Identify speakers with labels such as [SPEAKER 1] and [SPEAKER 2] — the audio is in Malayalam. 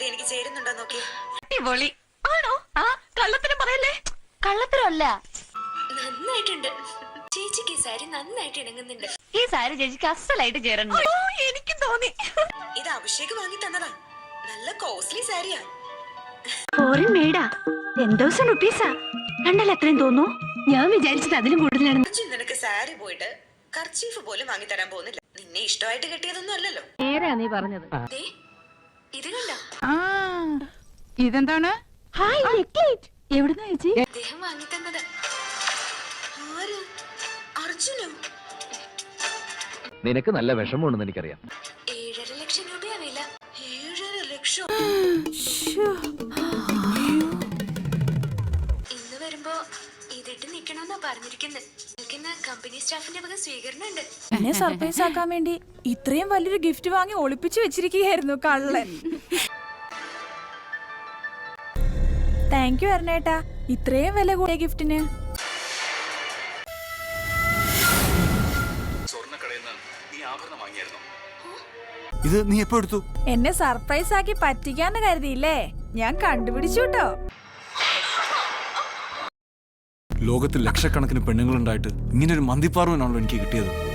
[SPEAKER 1] എനിക്ക് ചേരുന്നുണ്ടോ നോക്കി.
[SPEAKER 2] അടിപൊളി ആണോ? ആ കള്ളത്തരം പറയല്ലേ. കള്ളത്തരമല്ല,
[SPEAKER 1] നന്നായിട്ടുണ്ട് ചേച്ചിക്ക് ഈ സാരി നന്നായിട്ട് ഇണങ്ങുന്നുണ്ട്.
[SPEAKER 2] ഈ സാരി ചേച്ചിക്ക് അസലായിട്ട് ചേരുന്നുണ്ട്. എനിക്കും തോന്നി.
[SPEAKER 1] ഇത് അഭിഷേക് വാങ്ങി തന്നതാ. നല്ല കോസ്റ്റ്ലി സാരിയാ.
[SPEAKER 2] ഫോറിൻ മെയ്ഡാ. 10,000 റുപ്പീസാ. കണ്ടാൽ എത്രയും തോന്നുന്നു. ഞാൻ വിചാരിച്ചത് അതിലും കൂടുതലാണ്.
[SPEAKER 1] നിനക്ക് സാരി പോയിട്ട് കർച്ചീഫ് പോലും വാങ്ങി തരാൻ പോകുന്നില്ല. നിന്നെ ഇഷ്ടമായിട്ട് കെട്ടിയതൊന്നും അല്ലല്ലോ.
[SPEAKER 2] നേരാ നീ പറഞ്ഞത്.
[SPEAKER 1] ദേ, ഇത് കണ്ട.
[SPEAKER 3] ഇതെന്താണ്?
[SPEAKER 2] Hi necklet. എവിടുന്നാ ചേച്ചി?
[SPEAKER 1] അദ്ദേഹം വാങ്ങി തന്നത്. ആര്? അർജുനോ?
[SPEAKER 4] നിനക്ക് നല്ല വിഷമമുണ്ടെന്ന് എനിക്കറിയാം.
[SPEAKER 1] 7.5 ലക്ഷം രൂപയാ വില. 7.5 ലക്ഷം. ഇന്ന് വരുമ്പോ ഇതിട്ട് നിക്കണമെന്നാ പറഞ്ഞിരിക്കുന്നത്. നിൽക്കുന്ന കമ്പനി സ്റ്റാഫിന്റെ വക സ്വീകരണം ഉണ്ട്.
[SPEAKER 3] എന്നെ സർപ്രൈസ് ആക്കാൻ വേണ്ടി ഇത്രയും വലിയൊരു ഗിഫ്റ്റ് വാങ്ങി ഒളിപ്പിച്ചു വെച്ചിരിക്കുകയായിരുന്നു കള്ളൻ. താങ്ക് യു അരുണേട്ടാ, ഇത്രയും വില കൂടിയ ഗിഫ്റ്റിന്.
[SPEAKER 5] ഇത് നീ എപ്പോ എടുത്തു?
[SPEAKER 3] എന്നെ സർപ്രൈസ് ആക്കി പറ്റിക്കാന്ന് കരുതിയില്ലേ? ഞാൻ കണ്ടുപിടിച്ചു കേട്ടോ.
[SPEAKER 5] ലോകത്തിൽ ലക്ഷക്കണക്കിന് പെണ്ണുങ്ങളുണ്ടായിട്ട് ഇങ്ങനെ ഒരു മന്തിപ്പാർവനാണല്ലോ എനിക്ക് കിട്ടിയത്.